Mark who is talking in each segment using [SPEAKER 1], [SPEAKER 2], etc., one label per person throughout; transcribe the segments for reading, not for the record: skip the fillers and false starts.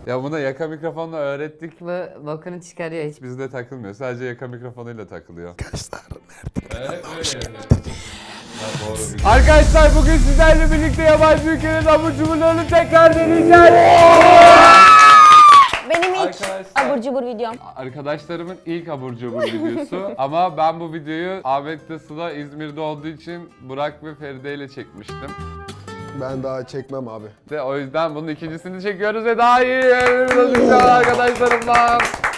[SPEAKER 1] Ya buna yaka mikrofonla öğrettik.
[SPEAKER 2] Bu bokunu çıkarıyor hiç.
[SPEAKER 1] Bizde takılmıyor. Sadece yaka mikrofonuyla takılıyor. Arkadaşlar bugün sizlerle birlikte yabancı ülkenin abur cuburlarını tekrar deneyeceğiz.
[SPEAKER 3] Benim ilk
[SPEAKER 1] Arkadaşlar-
[SPEAKER 3] abur cubur videom.
[SPEAKER 1] Arkadaşlarımın ilk abur cubur videosu ama ben bu videoyu Ahmet'le Sıla İzmir'de olduğu için Burak ve Feride ile çekmiştim.
[SPEAKER 4] Ben daha çekmem abi.
[SPEAKER 1] Ve o yüzden bunun ikincisini çekiyoruz ve daha iyi yerlerimize arkadaşlarımla.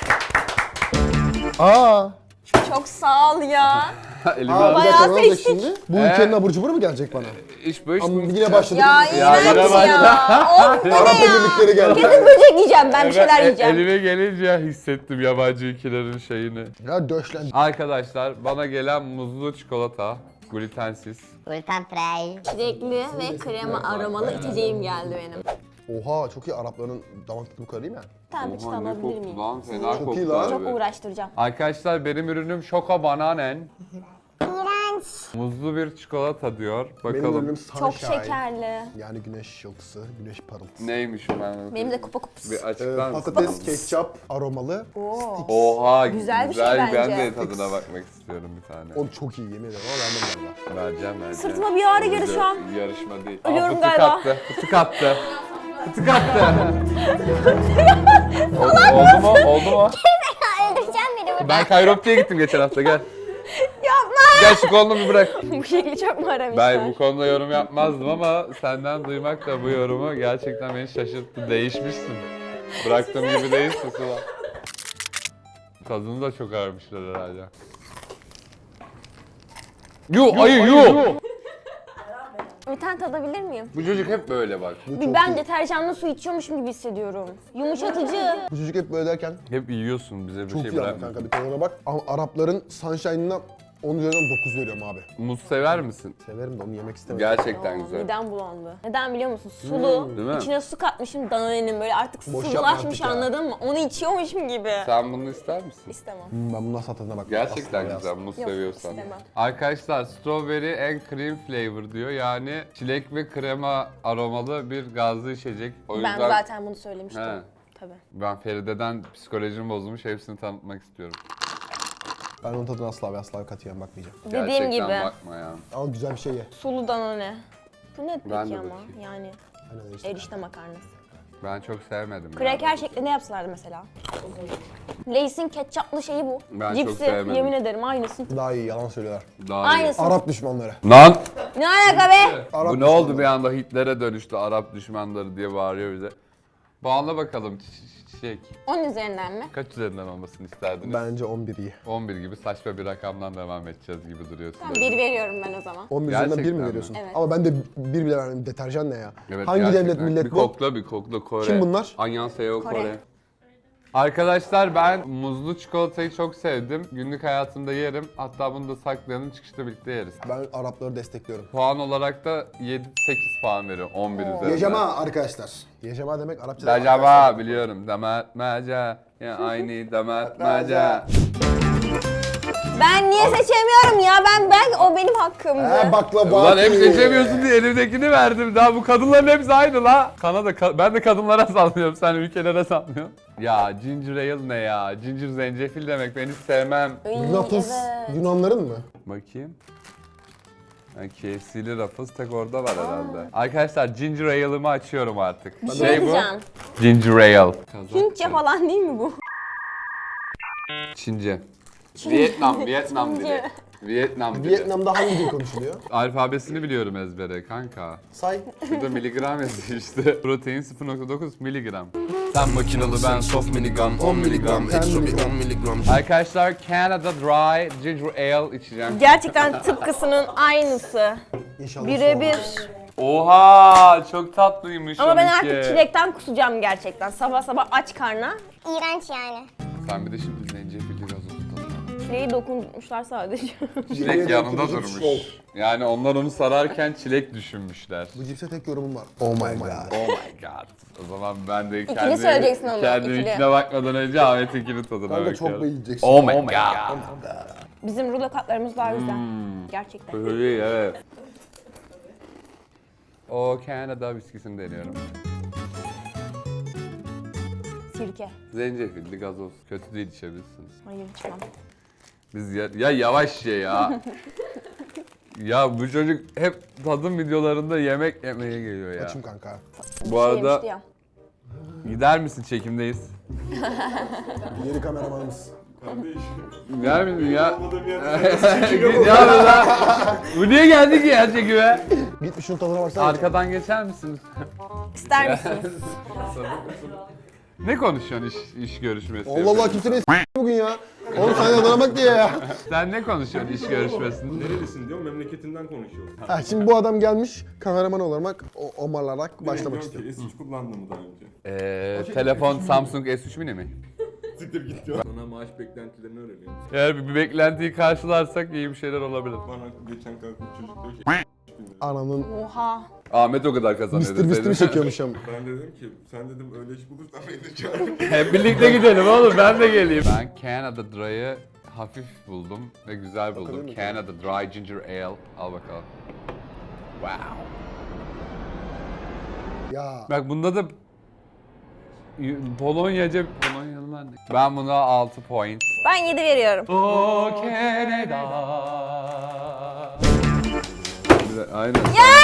[SPEAKER 4] Aa!
[SPEAKER 3] Çok sağ ol ya.
[SPEAKER 1] Elime
[SPEAKER 4] Aa, bir
[SPEAKER 3] Bayağı
[SPEAKER 4] dakika ne olacak
[SPEAKER 3] seçtik.
[SPEAKER 4] şimdi? Bu ülkenin abur cuburu mu gelecek bana?
[SPEAKER 1] iş bu iş.
[SPEAKER 4] Ama yine başladık.
[SPEAKER 3] Ya
[SPEAKER 1] Ya,
[SPEAKER 3] iğrenç
[SPEAKER 1] yine
[SPEAKER 3] ya. Of bu
[SPEAKER 4] Arap
[SPEAKER 3] ne ya?
[SPEAKER 4] Emirlikleri geldi.
[SPEAKER 3] Kesin böcek yiyeceğim ben bir şeyler yiyeceğim.
[SPEAKER 1] Elime gelince hissettim yabancı ülkelerin şeyini.
[SPEAKER 4] Ya döşlen.
[SPEAKER 1] Arkadaşlar bana gelen muzlu çikolata, glutensiz.
[SPEAKER 2] Gluten free.
[SPEAKER 3] Çilekli ve krema aromalı içeceğim geldi benim.
[SPEAKER 4] Oha çok iyi Arapların damak tadı bu kadar değil mi?
[SPEAKER 3] Tamam işte
[SPEAKER 1] Oha, ne
[SPEAKER 3] alabilir
[SPEAKER 1] koktu
[SPEAKER 3] miyim?
[SPEAKER 1] lan? Fena
[SPEAKER 4] Çok
[SPEAKER 1] koktu
[SPEAKER 4] iyi lan.
[SPEAKER 1] abi.
[SPEAKER 3] Çok uğraştıracağım.
[SPEAKER 1] Arkadaşlar benim ürünüm Şoko Bananen.
[SPEAKER 3] İğrenç.
[SPEAKER 1] Muzlu bir çikolata diyor.
[SPEAKER 4] Benim
[SPEAKER 1] Bakalım
[SPEAKER 4] ürünüm
[SPEAKER 3] Çok
[SPEAKER 4] Sunshine.
[SPEAKER 3] şekerli.
[SPEAKER 4] Yani güneş yıldızı, güneş parıltısı.
[SPEAKER 1] neymiş o ben?
[SPEAKER 3] Benim de kupa kups.
[SPEAKER 1] Bir açıklar mısın?
[SPEAKER 4] Patates, ketçap, aromalı.
[SPEAKER 3] Oo.
[SPEAKER 1] Oha
[SPEAKER 3] Güzel bir şey
[SPEAKER 1] Ben
[SPEAKER 3] bence.
[SPEAKER 1] de tadına bakmak istiyorum bir tane.
[SPEAKER 4] O çok iyi yemin ederim ama vermem galiba.
[SPEAKER 1] Vereceğim.
[SPEAKER 3] Sırtıma bir ağrı girdi şu an.
[SPEAKER 1] Yarışma değil.
[SPEAKER 3] Ölüyorum
[SPEAKER 1] fıtık
[SPEAKER 3] galiba.
[SPEAKER 1] attı. Fıtık attı. Fıtık attı. Oldu mu? Oldu mu?
[SPEAKER 3] Öldüreceğim beni burada.
[SPEAKER 1] Ben Kayropti'ye gittim geçen hafta gel.
[SPEAKER 3] Yapma.
[SPEAKER 1] Gel şu kolunu bir bırak.
[SPEAKER 3] Bu şekli çok mu aramışlar?
[SPEAKER 1] Ben bu konuda yorum yapmazdım ama senden duymak da bu yorumu gerçekten beni şaşırttı. Değişmişsin. Bıraktığım gibi değilsin Sıla. Tadını da çok aramışlar herhalde. Ayı.
[SPEAKER 3] Bir tane tadabilir miyim?
[SPEAKER 1] Bu çocuk hep böyle bak.
[SPEAKER 4] Bu çok
[SPEAKER 3] Ben
[SPEAKER 4] iyi.
[SPEAKER 3] deterjanlı su içiyormuşum gibi hissediyorum. Yumuşatıcı.
[SPEAKER 4] Bu çocuk hep böyle derken
[SPEAKER 1] Hep yiyorsun bize bir
[SPEAKER 4] çok
[SPEAKER 1] şey
[SPEAKER 4] iyi ama
[SPEAKER 1] bırakma.
[SPEAKER 4] kanka bir tadına bak. Ama Arapların Sunshine'ına 10 üzerinden 9 veriyorum abi.
[SPEAKER 1] Muz sever misin?
[SPEAKER 4] Severim de onu yemek istemem.
[SPEAKER 1] Gerçekten
[SPEAKER 3] Aa,
[SPEAKER 1] güzel.
[SPEAKER 3] midem bulandı. Neden biliyor musun? Sulu.
[SPEAKER 1] Değil mi?
[SPEAKER 3] İçine su katmışım Danone'nin böyle artık
[SPEAKER 4] Boş yapma
[SPEAKER 3] sıvılaşmış
[SPEAKER 4] artık ya.
[SPEAKER 3] anladın mı? Onu içiyormuşum gibi.
[SPEAKER 1] Sen bunu ister misin?
[SPEAKER 3] İstemem.
[SPEAKER 4] Ben bunun nasıl tadına bak.
[SPEAKER 1] Gerçekten
[SPEAKER 4] Asla
[SPEAKER 1] güzel muz
[SPEAKER 3] Yok,
[SPEAKER 1] seviyorsan.
[SPEAKER 3] istemem.
[SPEAKER 1] Arkadaşlar strawberry and cream flavor diyor. Yani çilek ve krema aromalı bir gazlı içecek. O yüzden
[SPEAKER 3] Ben zaten bunu söylemiştim.
[SPEAKER 1] He.
[SPEAKER 3] Tabii.
[SPEAKER 1] ben Feride'den psikolojim bozulmuş. Hepsini tanıtmak istiyorum.
[SPEAKER 4] Ben onun tadına asla ve asla katiyen bakmayacağım.
[SPEAKER 3] Dediğim
[SPEAKER 1] Gerçekten
[SPEAKER 3] gibi.
[SPEAKER 1] bakma ya.
[SPEAKER 4] Al güzel bir şey ye.
[SPEAKER 3] Sulu Danone. Bu ne
[SPEAKER 1] Ben
[SPEAKER 3] peki
[SPEAKER 1] de
[SPEAKER 3] ama?
[SPEAKER 1] bakayım.
[SPEAKER 3] Yani
[SPEAKER 4] Aynen işte.
[SPEAKER 3] erişte makarnası.
[SPEAKER 1] Ben çok sevmedim. ya.
[SPEAKER 3] Kraker şeklinde yapsalardı mesela. Lay's'in ketçaplı şeyi bu.
[SPEAKER 1] Ben çok
[SPEAKER 3] Cipsi,
[SPEAKER 1] sevmedim.
[SPEAKER 3] yemin ederim aynısı.
[SPEAKER 4] Daha iyi yalan söylüyorlar.
[SPEAKER 1] Daha iyi.
[SPEAKER 3] Aynısı.
[SPEAKER 4] Arap düşmanları.
[SPEAKER 1] Lan!
[SPEAKER 3] Ne alaka be?
[SPEAKER 4] Arap
[SPEAKER 1] Bu ne oldu bir anda Hitler'e dönüştü Arap düşmanları diye bağırıyor bize. Puanla bakalım çiçek.
[SPEAKER 3] 10 üzerinden mi?
[SPEAKER 1] Kaç üzerinden olmasını isterdiniz?
[SPEAKER 4] Bence 11 iyi.
[SPEAKER 1] 11 gibi saçma bir rakamdan devam edeceğiz gibi duruyor.
[SPEAKER 3] Tamam 1 veriyorum ben o zaman.
[SPEAKER 4] 11 üzerinden 1
[SPEAKER 1] Gerçekten
[SPEAKER 4] mi
[SPEAKER 1] mi?
[SPEAKER 4] veriyorsun?
[SPEAKER 3] Evet.
[SPEAKER 4] Ama ben de 1 bile vermem. Deterjan ne ya?
[SPEAKER 1] Evet,
[SPEAKER 4] Hangi devlet
[SPEAKER 1] gerçekten.
[SPEAKER 4] millet
[SPEAKER 1] bir
[SPEAKER 4] bu?
[SPEAKER 1] Bir kokla Kore.
[SPEAKER 4] Kim bunlar?
[SPEAKER 1] Annyeonghaseyo Kore.
[SPEAKER 3] Kore.
[SPEAKER 1] Arkadaşlar ben muzlu çikolatayı çok sevdim. Günlük hayatımda yerim. Hatta bunu da saklayalım çıkışta birlikte yeriz.
[SPEAKER 4] Ben Arapları destekliyorum.
[SPEAKER 1] Puan olarak da 7-8 puan veriyorum 11 üzerinden.
[SPEAKER 4] Yecema arkadaşlar. Yecema demek Arapçada.
[SPEAKER 1] Dacaba biliyorum. Damatmaca. Ya aynı damatmaca.
[SPEAKER 3] Ben niye seçemiyorum ya? Ben o benim hakkımdı.
[SPEAKER 4] He baklava.
[SPEAKER 1] Ulan hep seçemiyorsun diye elimdekini verdim. Daha bu kadınların hepsi aynı la. Ben de kadınlara sallıyorum. Sen ülkelere sallıyorsun. Ya ginger ale ne ya? Ginger zencefil demek. Ben hiç sevmem.
[SPEAKER 3] Ay,
[SPEAKER 4] Ruffles
[SPEAKER 3] evet.
[SPEAKER 4] Yunanların mı?
[SPEAKER 1] Bakayım. KFC'li Ruffles tek orada var herhalde. Arkadaşlar ginger ale'ımı açıyorum artık.
[SPEAKER 3] Bir şey diyeceğim.
[SPEAKER 1] Ginger ale.
[SPEAKER 3] Hintçe falan değil mi bu?
[SPEAKER 1] Çince. Vietnam dili.
[SPEAKER 3] Çince.
[SPEAKER 1] Vietnam dili.
[SPEAKER 4] Vietnam'da hangi dil konuşuluyor?
[SPEAKER 1] Alfabesini biliyorum ezbere kanka.
[SPEAKER 4] Say.
[SPEAKER 1] Şurada miligram yazıyor işte. Protein 0.9 miligram.
[SPEAKER 5] Sen makinalı ben soft miligram 10 miligram ekstra bir 10 miligram.
[SPEAKER 1] Arkadaşlar Canada Dry Ginger Ale içeceğim.
[SPEAKER 3] Gerçekten tıpkısının aynısı.
[SPEAKER 4] İnşallah.
[SPEAKER 3] Birebir.
[SPEAKER 1] Oha çok tatlıymış
[SPEAKER 3] Ama ben
[SPEAKER 1] onunki.
[SPEAKER 3] artık çilekten kusacağım gerçekten. Sabah sabah aç karna.
[SPEAKER 6] İğrenç yani.
[SPEAKER 1] Sen bir de şimdi zencefilli gazoz tadına.
[SPEAKER 3] Çileği dokunmuşlar sadece.
[SPEAKER 1] Çilek yanında durmuş. Yani onlar onu sararken çilek düşünmüşler.
[SPEAKER 4] Bu cipse tek yorumum var. Oh my god.
[SPEAKER 1] Oh my god. O zaman ben de
[SPEAKER 3] İkili söyleyeceksin onu,
[SPEAKER 1] kendi
[SPEAKER 3] ikili.
[SPEAKER 1] ikine bakmadan önce Ahmet'inkinin tadına
[SPEAKER 4] Kanka
[SPEAKER 1] bakıyorum.
[SPEAKER 4] çok beğeneceksin.
[SPEAKER 1] Oh my god.
[SPEAKER 3] Bizim rulo katlarımız daha güzel. Gerçekten.
[SPEAKER 1] Öyle evet. O Canada viskisini deniyorum.
[SPEAKER 3] Sirke.
[SPEAKER 1] Zencefilli gazoz. Kötü değil, içebilirsiniz.
[SPEAKER 3] Hayır içmem.
[SPEAKER 1] Biz ya yavaş ye ya. Ya bu çocuk hep tadım videolarında yemek yemeye geliyor ya.
[SPEAKER 4] Açım kanka.
[SPEAKER 1] Bu arada
[SPEAKER 3] Yemişti ya.
[SPEAKER 1] gider misin, çekimdeyiz?
[SPEAKER 4] Yeni kameramanımız.
[SPEAKER 1] Gider misin ya? Ya lan. Bu niye geldi ki ya çekime?
[SPEAKER 4] Git bir şunun tadına baksana.
[SPEAKER 1] Arkadan geçer misiniz?
[SPEAKER 3] İster misiniz?
[SPEAKER 1] Ne konuşuyorsun iş görüşmesi?
[SPEAKER 4] Allah Allah kimse ne bugün ya. Oğlum sen de tadına bak diye ya.
[SPEAKER 1] Sen ne konuşuyorsun iş görüşmesinde?
[SPEAKER 6] Nerelisin diyor, memleketinden konuşuyor.
[SPEAKER 4] Ha, şimdi bu adam gelmiş kameraman olarak omarlarak başlamak istiyor.
[SPEAKER 6] S3 kullandın mı daha önce?
[SPEAKER 1] Telefon Samsung S3 mini mi?
[SPEAKER 6] Siktir git diyor. Sana maaş beklentilerini öğreniyorum.
[SPEAKER 1] Eğer bir beklentiyi karşılarsak iyi bir şeyler olabilir.
[SPEAKER 6] Bana geçen kalkıp çocuk diyor ki
[SPEAKER 4] Ananın
[SPEAKER 3] Oha.
[SPEAKER 1] Ahmet o kadar kazanıyor.
[SPEAKER 4] Mr. Beast'i mi
[SPEAKER 1] deseydin.
[SPEAKER 4] çekiyormuş ama.
[SPEAKER 6] ben dedim ki sen dedim öyle iş bulursan beni de çağır.
[SPEAKER 1] Hep birlikte gidelim oğlum, ben de geleyim. Ben Canada Dry'ı hafif buldum ve güzel buldum.
[SPEAKER 4] Bakabilir miyim?
[SPEAKER 1] Canada Dry Ginger Ale. Al bakalım. Wow.
[SPEAKER 4] Ya
[SPEAKER 1] Bak bunda da Polonyaca... Polonyalılar ne? Ben buna 6 point.
[SPEAKER 3] Ben 7 veriyorum.
[SPEAKER 1] Oh Canada. Aynen.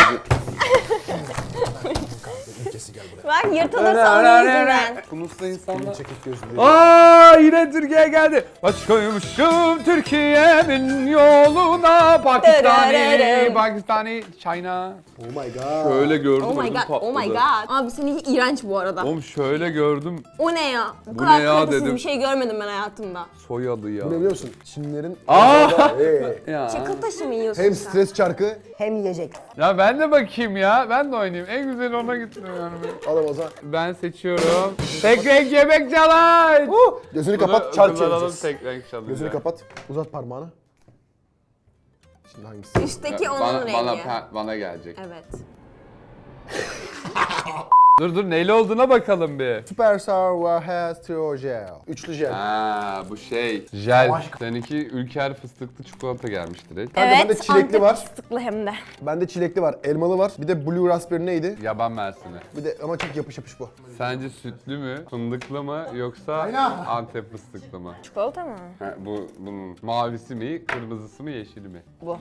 [SPEAKER 3] Bak yırtılırsa onun yüzünden.
[SPEAKER 1] Konuşsa insanlar.
[SPEAKER 4] çekik gözlü.
[SPEAKER 1] Aa yine Türkiye geldi. Başkoymuşum Türkiye'nin yoluna. Pakistani, China.
[SPEAKER 4] Oh my god.
[SPEAKER 1] Şöyle gördüm.
[SPEAKER 3] Oh my
[SPEAKER 1] ödüm
[SPEAKER 3] god, oh my
[SPEAKER 1] patladı.
[SPEAKER 3] god. Abi seninki iğrenç bu arada.
[SPEAKER 1] Oğlum şöyle gördüm.
[SPEAKER 3] O ne ya? Bu
[SPEAKER 1] Bu
[SPEAKER 3] kadar
[SPEAKER 1] ne ya
[SPEAKER 3] kalitesiz
[SPEAKER 1] dedim.
[SPEAKER 3] bir şey görmedim ben hayatımda.
[SPEAKER 1] Soyadı ya.
[SPEAKER 4] Bu ne biliyor musun? Çinlerin
[SPEAKER 1] Ya.
[SPEAKER 3] Çakıl taşı mı yiyorsun
[SPEAKER 4] hem
[SPEAKER 3] sen?
[SPEAKER 4] stres çarkı.
[SPEAKER 1] Ya ben de bakayım ya. Ben de oynayayım. En güzeli ona gitmiyor yani.
[SPEAKER 4] Adam o zaman.
[SPEAKER 1] Ben seçiyorum. Tek renk yemek challenge.
[SPEAKER 4] Gözünü kapat çark çevireceğiz.
[SPEAKER 1] Tek renk challenge.
[SPEAKER 4] Gözünü kapat. Uzat parmağını. Şimdi hangisi?
[SPEAKER 3] Üstteki onun rengi.
[SPEAKER 1] Bana gelecek.
[SPEAKER 3] Evet.
[SPEAKER 1] Dur neyle olduğuna bakalım bir.
[SPEAKER 4] Superstar has Trio Gel. Üçlü jel.
[SPEAKER 1] Ha bu şey. Jel. Seninki Ülker fıstıklı çikolata gelmiş direkt.
[SPEAKER 4] Kanka bende çilekli
[SPEAKER 3] Antep
[SPEAKER 4] var.
[SPEAKER 3] fıstıklı hem de.
[SPEAKER 4] Bende çilekli var, elmalı var. Bir de Blue Raspberry neydi?
[SPEAKER 1] Yaban mersini.
[SPEAKER 4] Bir de ama çok yapış yapış bu.
[SPEAKER 1] Sence sütlü mü, fındıklı mı yoksa Antep fıstıklı mı?
[SPEAKER 3] Çikolata mı?
[SPEAKER 1] Ha, bunun mavisi mi, kırmızısı mı, yeşili mi?
[SPEAKER 3] Bu.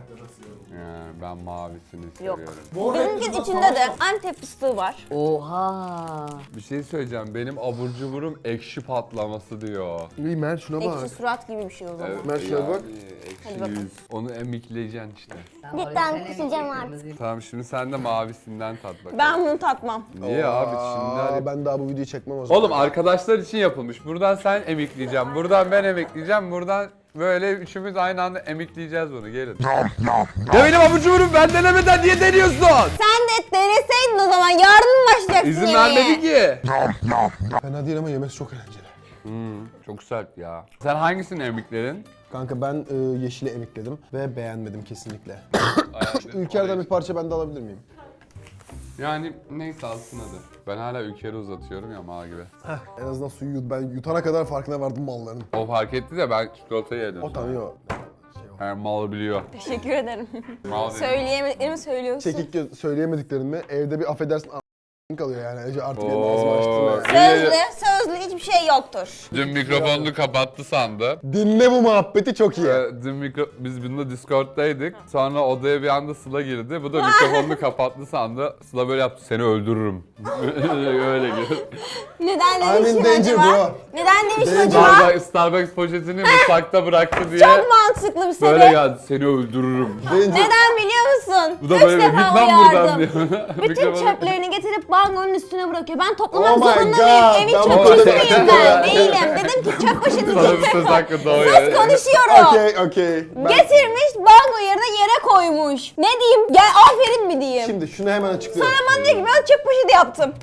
[SPEAKER 1] Ben mavisini
[SPEAKER 3] Yok.
[SPEAKER 1] seviyorum.
[SPEAKER 3] Bizimkinin içinde de Antep fıstığı var.
[SPEAKER 2] Oha.
[SPEAKER 1] Bir şey söyleyeceğim. Benim abur cuburum ekşi patlaması diyor.
[SPEAKER 4] İyi Mer şuna bak.
[SPEAKER 3] Ekşi surat gibi bir şey o zaman.
[SPEAKER 4] Mer şuna bak.
[SPEAKER 3] Hadi
[SPEAKER 1] Ekşi
[SPEAKER 3] bakalım.
[SPEAKER 1] yüz. Onu emikleyeceksin işte.
[SPEAKER 2] Cidden kusacağım artık.
[SPEAKER 1] Tamam şimdi sen de mavisinden tat bakalım.
[SPEAKER 3] Ben bunu tatmam.
[SPEAKER 1] Niye abi şimdi hani...
[SPEAKER 4] Ben daha bu videoyu çekmem o zaman.
[SPEAKER 1] Oğlum arkadaşlar için yapılmış. Buradan sen emikleyeceğim. Buradan ben emikleyeceğim. Buradan böyle üçümüz aynı anda emikleyeceğiz bunu. Gelin. Ya benim abur cuburum ben denemeden niye deniyorsun?
[SPEAKER 3] Sen de deneseydin o zaman. Yarın mı başlayacaksın
[SPEAKER 1] İzin
[SPEAKER 3] yemeğe?
[SPEAKER 1] vermedi ki.
[SPEAKER 4] Fena değil ama yemesi çok eğlenceli.
[SPEAKER 1] Çok sert ya. Sen hangisini emikledin?
[SPEAKER 4] Kanka ben yeşili emikledim ve beğenmedim kesinlikle. Ülker'den bir parça ben de alabilir miyim?
[SPEAKER 1] Yani neyse alsın hadi. Ben hala Ülker'i uzatıyorum ya mal gibi.
[SPEAKER 4] En azından suyu ben yutana kadar farkına vardım malların.
[SPEAKER 1] O fark etti de ben çikolatayı yedim.
[SPEAKER 4] O tanıyor.
[SPEAKER 1] Her mal biliyor.
[SPEAKER 3] Teşekkür ederim.
[SPEAKER 1] Mal dedi.
[SPEAKER 3] Söyleyemediklerimi söylüyorsun.
[SPEAKER 4] Çekik söyleyemediklerimi evde bir affedersin kalıyor yani. Ece artık benim ağzımı açtırma yani.
[SPEAKER 3] Sözlü hiçbir şey yoktur.
[SPEAKER 1] Dün mikrofonunu kapattı sandı.
[SPEAKER 4] Dinle bu muhabbeti çok iyi.
[SPEAKER 1] Dün biz bununla Discord'daydık. Sonra odaya bir anda Sıla girdi. Bu da mikrofonunu kapattı sandı. Sıla böyle yaptı. Seni öldürürüm. Öyle girdi.
[SPEAKER 3] Neden
[SPEAKER 4] I'm in
[SPEAKER 3] demiştin
[SPEAKER 4] danger
[SPEAKER 3] acaba?
[SPEAKER 4] bro.
[SPEAKER 3] Neden demiştin acaba?
[SPEAKER 1] Starbucks poşetini mutfakta bıraktı diye.
[SPEAKER 3] Çok mantıklı bir
[SPEAKER 1] Böyle
[SPEAKER 3] sebep.
[SPEAKER 1] geldi. Seni öldürürüm.
[SPEAKER 3] Neden biliyor musun?
[SPEAKER 1] Bu da
[SPEAKER 3] 3
[SPEAKER 1] böyle git
[SPEAKER 3] defa
[SPEAKER 1] lan buradan
[SPEAKER 3] uyardım.
[SPEAKER 1] diyor.
[SPEAKER 3] Bütün
[SPEAKER 1] Mikrofonu-
[SPEAKER 3] çöplerini getirip bangonun üstüne bırakıyor. Ben toplamak
[SPEAKER 4] Oh my
[SPEAKER 3] zorunda
[SPEAKER 4] God,
[SPEAKER 3] mıyım? Evin
[SPEAKER 4] ben
[SPEAKER 3] çöpçüsü
[SPEAKER 4] bunu-
[SPEAKER 3] müyüm ben? Değilim. Dedim ki çöp poşeti
[SPEAKER 1] Sana bir
[SPEAKER 3] getir.
[SPEAKER 1] söz hakkı doğuyor.
[SPEAKER 3] Söz konuşuyorum.
[SPEAKER 4] Okey.
[SPEAKER 3] Getirmiş bango yerine yere koymuş. Ne diyeyim? Gel aferin mi diyeyim?
[SPEAKER 4] Şimdi şunu hemen açıklıyorum.
[SPEAKER 3] Sonra bana diyor ki ben çöp poşeti yaptım.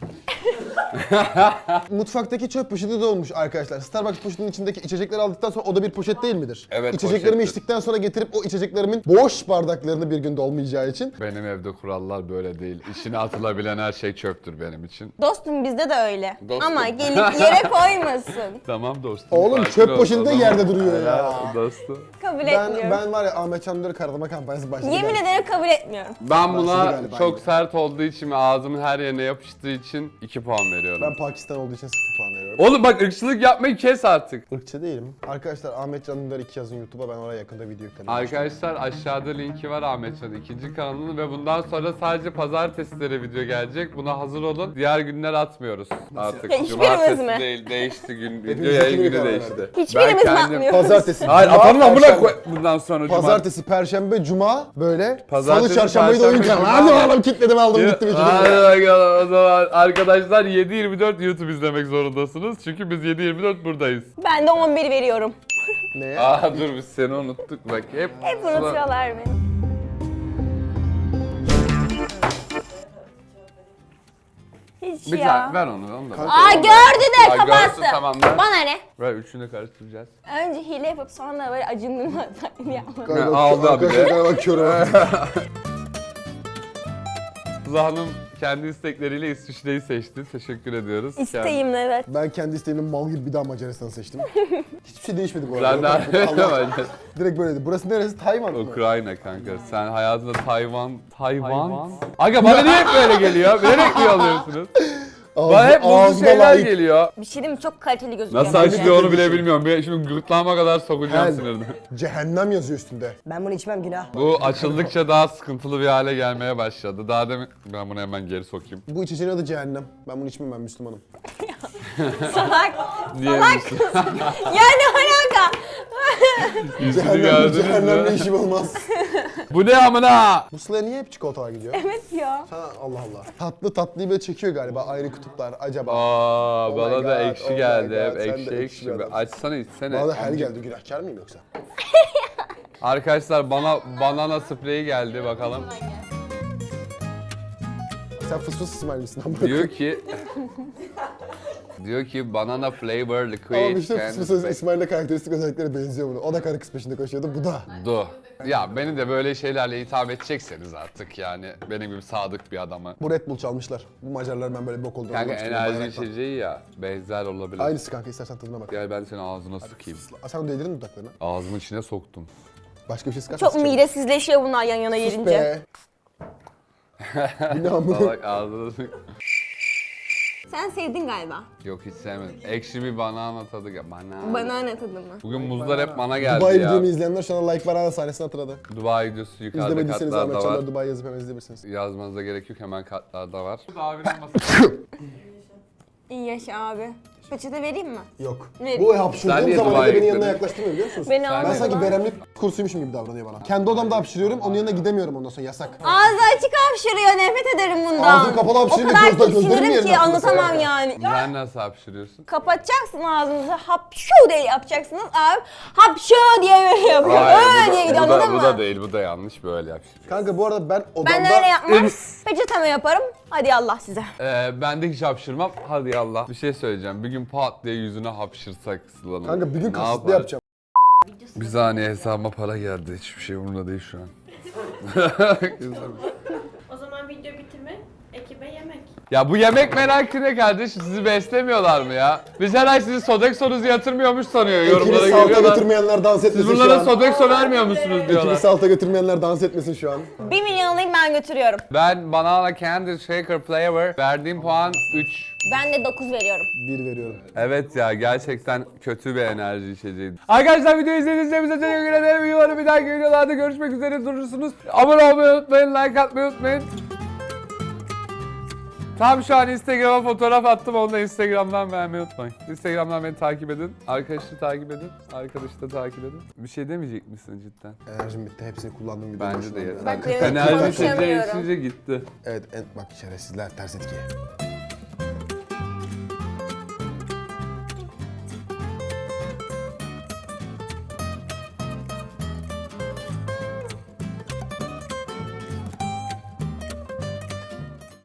[SPEAKER 4] Mutfaktaki çöp poşeti de olmuş arkadaşlar. Starbucks poşetinin içindeki içecekleri aldıktan sonra o da bir poşet değil midir?
[SPEAKER 1] Evet,
[SPEAKER 4] İçeceklerimi
[SPEAKER 1] poşettir.
[SPEAKER 4] içtikten sonra getirip o içeceklerimin boş bardaklarını bir günde olmayacağı için.
[SPEAKER 1] Benim evde kurallar böyle değil. İçine atılabilen her şey çöptür benim için.
[SPEAKER 3] Dostum bizde de öyle.
[SPEAKER 1] Dostum.
[SPEAKER 3] Ama gelip yere koymasın.
[SPEAKER 1] Tamam dostum.
[SPEAKER 4] Oğlum
[SPEAKER 1] sakin
[SPEAKER 4] çöp
[SPEAKER 1] ol,
[SPEAKER 4] poşeti de
[SPEAKER 1] tamam.
[SPEAKER 4] yerde duruyor ya.
[SPEAKER 1] Dostum.
[SPEAKER 3] Kabul etmiyorum.
[SPEAKER 4] Ben var ya Ahmet Çandır'ı karalama kampanyası başladı.
[SPEAKER 3] Yemin ederim kabul etmiyorum.
[SPEAKER 1] Ben buna
[SPEAKER 4] Başladı galiba
[SPEAKER 1] çok
[SPEAKER 4] yine.
[SPEAKER 1] sert olduğu için ve ağzımın her yerine yapıştığı için 2 2 puan veriyorum.
[SPEAKER 4] Ben Pakistan olduğu için 0 puan veriyorum.
[SPEAKER 1] Oğlum bak ırkçılık yapmayı kes artık.
[SPEAKER 4] Irkçı değilim. Arkadaşlar Ahmet Can Dündar 2 yazın YouTube'a, ben oraya yakında video yüklerim.
[SPEAKER 1] Arkadaşlar aşağıda linki var Ahmetcan'ın ikinci kanalının ve bundan sonra sadece pazartesileri video gelecek. Buna hazır olun. Diğer günler atmıyoruz artık.
[SPEAKER 3] Ya hiçbirimiz
[SPEAKER 1] Cumartesi
[SPEAKER 3] mi?
[SPEAKER 1] değil, değişti gün. Video
[SPEAKER 4] Hepimiz
[SPEAKER 1] yayın
[SPEAKER 4] iki
[SPEAKER 1] günü
[SPEAKER 4] karar
[SPEAKER 1] değişti.
[SPEAKER 4] verdik.
[SPEAKER 3] Hiçbirimiz
[SPEAKER 1] Ben kendim-
[SPEAKER 3] bakmıyoruz.
[SPEAKER 4] Pazartesi.
[SPEAKER 1] Hayır
[SPEAKER 4] Cuma,
[SPEAKER 1] atalım amına
[SPEAKER 4] Perşembe.
[SPEAKER 1] koy bundan sonra Cuma.
[SPEAKER 4] Pazartesi, Perşembe, Cuma böyle.
[SPEAKER 1] Pazartesi,
[SPEAKER 4] Salı, Çarşambayı da oyun
[SPEAKER 1] Perşembe,
[SPEAKER 4] kanalı.
[SPEAKER 1] Cuma.
[SPEAKER 4] Hadi oğlum kilitledim aldım gittim içine.
[SPEAKER 1] Hadi bakalım o zaman arkadaşlar 7/24 YouTube izlemek zorundasınız. Çünkü biz 7/24 buradayız.
[SPEAKER 3] Ben de 11 veriyorum.
[SPEAKER 4] Neye?
[SPEAKER 1] Dur biz seni unuttuk bak hep.
[SPEAKER 3] Hep unutuyorlar beni. Hiç
[SPEAKER 1] Bir
[SPEAKER 3] ya.
[SPEAKER 1] tane ver onu da.
[SPEAKER 3] Aa gördü de
[SPEAKER 1] Ya
[SPEAKER 3] kapattı.
[SPEAKER 1] görsün, tamam da.
[SPEAKER 3] Bana ne?
[SPEAKER 1] Ver üçünü karıştıracağız.
[SPEAKER 3] Önce hile yapıp sonra böyle acındırma taklidi yapma.
[SPEAKER 4] Galiba
[SPEAKER 1] aldı abi de.
[SPEAKER 4] arkadaşlar galiba kör.
[SPEAKER 1] Sıla Hanım kendi istekleriyle İsviçre'yi seçti. Teşekkür ediyoruz.
[SPEAKER 3] İsteyim evet.
[SPEAKER 4] Ben kendi isteğimle mal gibi bir daha Macaristan'ı seçtim. Hiçbir şey değişmedi bu
[SPEAKER 1] Sen
[SPEAKER 4] arada.
[SPEAKER 1] de
[SPEAKER 4] Allah- Direkt böyleydi. Burası neresi? Tayvan mı?
[SPEAKER 1] Ukrayna kanka. Sen hayatında Tayvan. Aga bana niye hep böyle geliyor? Bilerek niye alıyorsunuz? Bana hep muzlu şeyler
[SPEAKER 4] layık.
[SPEAKER 1] geliyor.
[SPEAKER 3] Bir şey diyeyim mi? Çok kaliteli gözüküyor.
[SPEAKER 1] Nasıl
[SPEAKER 3] bence.
[SPEAKER 1] açılıyor onu bile bilmiyorum. Şimdi gırtlağıma kadar sokacağım
[SPEAKER 4] Hell.
[SPEAKER 1] sinirini.
[SPEAKER 4] Cehennem yazıyor üstünde.
[SPEAKER 2] Ben bunu içmem günah.
[SPEAKER 1] Bu açıldıkça daha sıkıntılı bir hale gelmeye başladı. Daha demin ben bunu hemen geri sokayım.
[SPEAKER 4] Bu içeceğin adı cehennem. Ben bunu içmem, ben Müslümanım.
[SPEAKER 3] Salak.
[SPEAKER 1] Niye?
[SPEAKER 3] Ya ne alaka?
[SPEAKER 1] Yüzünü gördünüz
[SPEAKER 4] Cehennemle
[SPEAKER 1] mü?
[SPEAKER 4] işim olmaz.
[SPEAKER 1] Bu ne amına?
[SPEAKER 4] Bu Sıla'ya niye hep çikolatalar gidiyor?
[SPEAKER 3] Evet ya.
[SPEAKER 4] Ha, Allah Allah. Tatlı tatlıyı böyle çekiyor galiba, ayrı kutuplar acaba.
[SPEAKER 1] Aa,
[SPEAKER 4] Oh
[SPEAKER 1] bana
[SPEAKER 4] my
[SPEAKER 1] da
[SPEAKER 4] God,
[SPEAKER 1] ekşi
[SPEAKER 4] oh my
[SPEAKER 1] geldi.
[SPEAKER 4] God,
[SPEAKER 1] Hep
[SPEAKER 4] sen de
[SPEAKER 1] ekşi
[SPEAKER 4] ekşi
[SPEAKER 1] ekşi.
[SPEAKER 4] bir
[SPEAKER 1] Bir
[SPEAKER 4] adamsın.
[SPEAKER 1] açsana içsene.
[SPEAKER 4] Bana da her geldi, günahkar mıyım yoksa?
[SPEAKER 1] Arkadaşlar bana banana spreyi geldi bakalım.
[SPEAKER 4] Sen fıs fıs İsmail misin?
[SPEAKER 1] Diyor ki banana flavor
[SPEAKER 4] Ama
[SPEAKER 1] liquid
[SPEAKER 4] işte
[SPEAKER 1] can
[SPEAKER 4] fıs fıs İsmail'le karakteristik özellikleri benziyor bunu. O da karı kız peşinde koşuyordu, bu da.
[SPEAKER 1] do. Ya beni de böyle şeylerle hitap edecekseniz artık yani benim gibi sadık bir adamı.
[SPEAKER 4] Bu Red Bull çalmışlar. Bu Macarlar ben böyle bok olduğunu
[SPEAKER 1] Kanka
[SPEAKER 4] anlamak istiyorum,
[SPEAKER 1] enerji
[SPEAKER 4] bayrakla.
[SPEAKER 1] içeceği ya benzer olabilir.
[SPEAKER 4] Aynısı kanka, istersen tadına bak.
[SPEAKER 1] Gel ben senin ağzına sıkayım.
[SPEAKER 4] Sen onu değdirdin mi dudaklarına?
[SPEAKER 1] Ağzımın içine soktum.
[SPEAKER 4] Başka bir şey sıkarsan
[SPEAKER 3] Çok
[SPEAKER 4] sıçarım.
[SPEAKER 3] midesizleşiyor bunlar yan yana
[SPEAKER 4] Sus
[SPEAKER 3] gelince.
[SPEAKER 4] be. Bu ne amına?
[SPEAKER 1] Salak ağzına sık.
[SPEAKER 3] Sen sevdin galiba.
[SPEAKER 1] Yok hiç sevmedim. Ekşi bir banana tadı gel.
[SPEAKER 3] Banana tadı mı?
[SPEAKER 1] Bugün muzlar hep bana geldi
[SPEAKER 4] Dubai
[SPEAKER 1] ya.
[SPEAKER 4] videomu izleyenler şu an like var, sahnesini hatırladı.
[SPEAKER 1] Dubai videosu yukarıda
[SPEAKER 4] İzlemediyseniz Ahmet
[SPEAKER 1] katlarda var.
[SPEAKER 4] Çanlar Dubai yazıp hemen izleyebilirsiniz.
[SPEAKER 1] Yazmanıza gerek yok hemen katlarda var.
[SPEAKER 3] İyi yaşa abi. Peçete vereyim mi?
[SPEAKER 4] Yok.
[SPEAKER 3] Ne?
[SPEAKER 4] Bu
[SPEAKER 1] Sen
[SPEAKER 4] hapşırdığım
[SPEAKER 1] niye
[SPEAKER 4] zaman
[SPEAKER 1] Dubai'ye
[SPEAKER 4] da beni yanına
[SPEAKER 1] gitmedin?
[SPEAKER 4] yaklaştırmıyor biliyor musunuz?
[SPEAKER 3] Beni
[SPEAKER 4] Ben
[SPEAKER 3] almadı
[SPEAKER 4] sanki
[SPEAKER 3] lan.
[SPEAKER 4] veremlik kursuymuşum gibi davranıyor bana. Kendi odamda hapşırıyorum, onun yanına gidemiyorum ondan sonra, yasak.
[SPEAKER 3] Ağzı açık hapşırıyor, nefret ederim bundan.
[SPEAKER 4] Ağzın kapalı hapşırınca
[SPEAKER 3] O kadar
[SPEAKER 4] gözlerim
[SPEAKER 3] tiksinirim
[SPEAKER 4] yerine
[SPEAKER 3] ki
[SPEAKER 4] atılması.
[SPEAKER 3] anlatamam yani.
[SPEAKER 1] Sen nasıl hapşırıyorsun?
[SPEAKER 3] Kapatacaksın ağzınızı, hapşu diye yapacaksınız abi. Hapşu diye böyle yapıyor. Öyle diye gidiyor, anladın
[SPEAKER 1] bu
[SPEAKER 3] mı?
[SPEAKER 1] da değil, bu da yanlış böyle hapşırıyor.
[SPEAKER 4] Kanka bu arada ben odamda...
[SPEAKER 3] Ben öyle yapmam. Peçeteme yaparım. Hadi Allah size.
[SPEAKER 1] Ben de hiç hapşırmam. Hadi Allah. Bir şey söyleyeceğim. Bir gün pat diye yüzüne hapşırsak Sıla'nın.
[SPEAKER 4] Kanka bir gün
[SPEAKER 1] Ne
[SPEAKER 4] kasıtlı
[SPEAKER 1] yapar?
[SPEAKER 4] yapacağım.
[SPEAKER 1] Bir saniye hesabıma para geldi. Hiçbir şey umurumda değil şu an.
[SPEAKER 7] O zaman video bitirme, ekibe yemek.
[SPEAKER 1] Ya bu yemek merakı ne kardeşim? Sizi beslemiyorlar mı ya? Biz her ay sizi Sodexo'nuzu yatırmıyormuş sanıyor. Yorumlara
[SPEAKER 4] Ekini salta
[SPEAKER 1] geliyorlar.
[SPEAKER 4] götürmeyenler dans
[SPEAKER 1] Siz
[SPEAKER 4] etmesin şu
[SPEAKER 1] bunlara
[SPEAKER 4] an.
[SPEAKER 1] Sodexo vermiyor musunuz
[SPEAKER 4] Ekini
[SPEAKER 1] diyorlar.
[SPEAKER 4] salta götürmeyenler dans etmesin şu an.
[SPEAKER 3] 1 milyon alayım ben götürüyorum.
[SPEAKER 1] Ben Banana Candy Shaker Flavor verdiğim puan 3.
[SPEAKER 3] Ben de 9 veriyorum.
[SPEAKER 4] 1 veriyorum.
[SPEAKER 1] Evet ya gerçekten kötü bir enerji içeceği. Arkadaşlar videoyu izlediğiniz için bize teşekkür ederim. Umarım bir dahaki videolarda görüşmek üzere durursunuz. Abone olmayı unutmayın, like atmayı unutmayın. Tam şu an Instagram'a fotoğraf attım, onu da Instagram'dan beğenmeyi unutmayın. Instagram'dan beni takip edin, arkadaşı takip edin, arkadaşı da takip edin. Bir şey demeyecek misin cidden?
[SPEAKER 4] Enerjim bitti. Hepsini kullandım gibi.
[SPEAKER 1] Bence de
[SPEAKER 4] düşünüyorum
[SPEAKER 1] yeter.
[SPEAKER 3] Bak, benim
[SPEAKER 1] Enerji içeceği
[SPEAKER 3] konuşamıyorum.
[SPEAKER 1] içince gitti.
[SPEAKER 4] Evet, bak şerefsizler, ters etki.